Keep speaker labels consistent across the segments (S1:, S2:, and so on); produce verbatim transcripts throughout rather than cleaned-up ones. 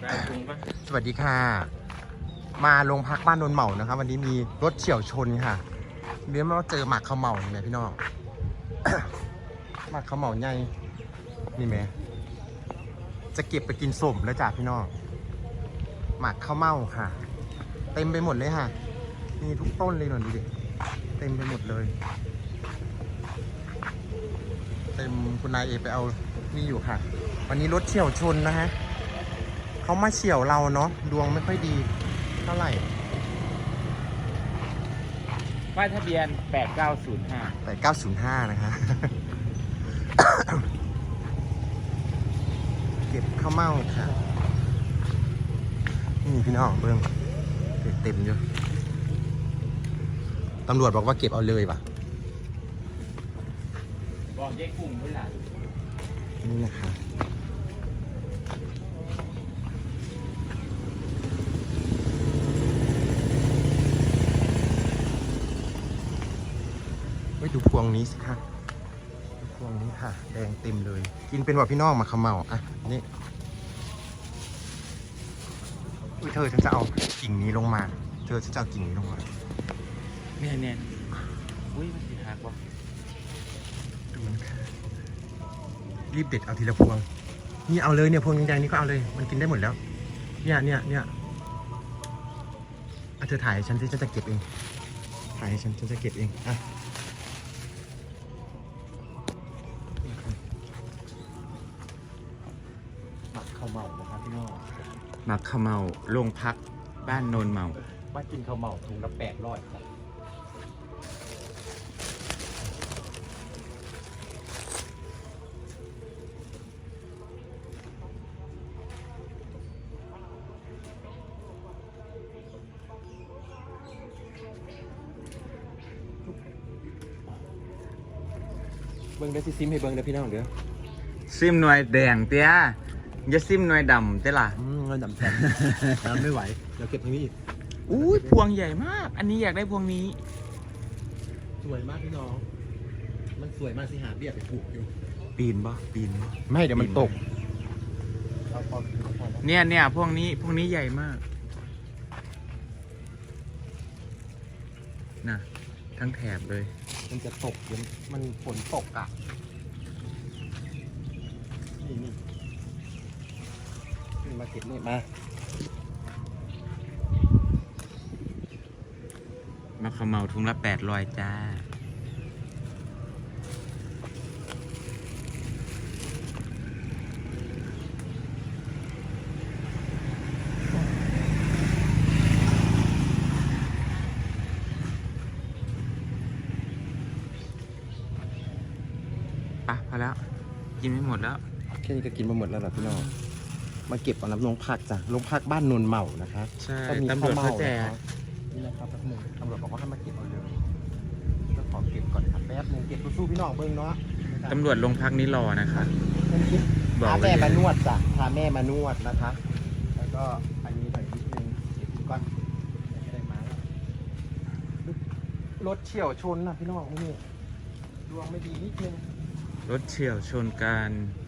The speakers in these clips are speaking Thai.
S1: สวัสดีค่ะมาโรงพักบ้านนนเหมานะครับวันนี้มีรถเฉี่ยวชนค่ะเรียกว่าเจอหมากข้าวเหมานี่ไหมพี่น้อง หมากข้าวเหมาใหญ่นี่ไหมจะเก็บไปกินสมแล้วจ้ะพี่น้องหมากข้าวเม่าค่ะเต็มไปหมดเลยค่ะมีทุกต้นเลยหน่อยดูดิเต็มไปหมดเลยเต็มคุณนายเอไปเอานี่อยู่ค่ะวันนี้รถเฉี่ยวชนนะฮะเขามาเฉี่ยวเราเนาะดวงไม่ค่อยดีเท่าไหร่
S2: ป้ายทะเบียนแปดเก้าศูนย์ห้า
S1: แปดเก้าศูนย์ห้านะคะ เก็บข้าวเม่าค่ะนี่พี่น้องเบิ้งเต็มอยู่ตำรวจบอกว่าเก็บเอาเลยป่ะ
S2: บอกเจ๊กุ้งด้วยล่ะ
S1: นี่นะคะเฮ้ยดูพวงนี้สิคะดูพวงนี้ค่ะแดงเต็มเลยกินเป็นว่าพี่น้องมาขมเมาอ่ะนี่อุ้ยเธอฉันจะเอากิ่งนี้ลงมาเธอฉันจะเอากิ่งนี้ลงมา
S2: เนี่ยเนี่ยอุ้ยมันสีหักวะ
S1: ดูมันค่ะรีบเด็ดเอาทีละพวงนี่เอาเลยเนี่ยพวงแดงๆนี่ก็เอาเลยมันกินได้หมดแล้วเนี่ยเนี่ยเนี่ยอ่ะเธอถ่ายฉันที่ฉันจะเก็บเองถ่ายให้ฉันฉันจะเก็บเองอ่ะหมักข้าวเมานะครับพี่น้อง
S2: หมักข้าวเมาโรงพักบ้านโนนเมา
S1: บ้านกินข้าวเมาถุงละแปดร้อยครับเบิ้งได้ซิซิมให้เบิ้งได้พี่น้องเดี๋ยว
S2: ซิมหน่วยแดงเตี้ยอย่าซิมหน่วยดำเตี้ยล่ะ
S1: อืมเงินดำแทนน้ำไม่ไหวเดี๋ยวเก็บทางนี้อีก
S2: อุ้ยพวงใหญ่มากอันนี้อยากได้พวงนี้
S1: สวยมากพี่น้องมันสวยมากสิหาเบี้ยไปปลูกอยู่
S2: ปีนบ่ปีนบ่
S1: ไม่เดี๋ยวมันตก
S2: เนี่ยเนี่ยพวกนี้พวกนี้ใหญ่มากน่ะทั้งแถบเลย
S1: มันจะตกเดี๋ยวมันฝนตกอ่ะนี่นี่นี่มาเก็บนี่มา
S2: มาขมเมาทุงละแปดร้อยจ้าปะพอแล้วกินไม่หมดแล้ว
S1: แค่นี้ก็กินมาหมดแล้วเหรอพี่น้องมาเก็บเอาน้ำลงพักจ้ะลงพักบ้านนนเหมานะคะ
S2: ใช่ตำรวจเขาแจก
S1: นี่นะครับแป๊บนึงตำรวจบอกว่าให้มาเก็บเอาเลยก็ขอเก็บก่อนครับแป๊บนึงเก็บสู้พี่น้องเบิ้งเนาะ
S2: ตำรวจโรงพักนี้รอนะคะ
S1: พาแม่มานวดจ้ะพาแม่มานวดนะคะแล้วก็อันนี้หน่อยนิดนึงเก็บก่อนไม่ได้มารถเฉี่ยวชนนะพี่น้องนี่ดวงไม่ดีนิดนึง
S2: รถเฉี่ยวชนกัน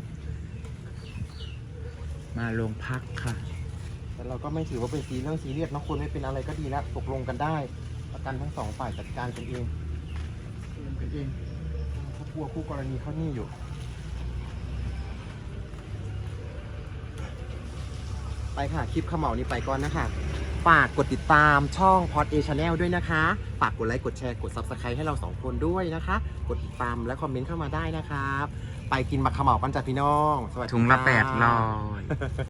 S2: มาโรงพักค่ะ
S1: แต่เราก็ไม่ถือว่าเป็นซีเรื่องซีเรียสนะคนไม่เป็นอะไรก็ดีแล้วตกลงกันได้ประกันทั้งสองฝ่ายจัดการกันเองกันเองเขากลัวคู่กรณีเขานี่อยู่ไปค่ะคลิปขมเหลานี้ไปก่อนนะคะฝากกดติดตามช่องพอดเอชาแนลด้วยนะคะฝากกดไลค์กดแชร์กดซับสไครต์ให้เราสองคนด้วยนะคะกดติดตามและคอมเมนต์เข้ามาได้นะครับไปกินหมักขมเหลากันจ้ะพี่น้อง
S2: สวัสดีถุงละแปดร้อย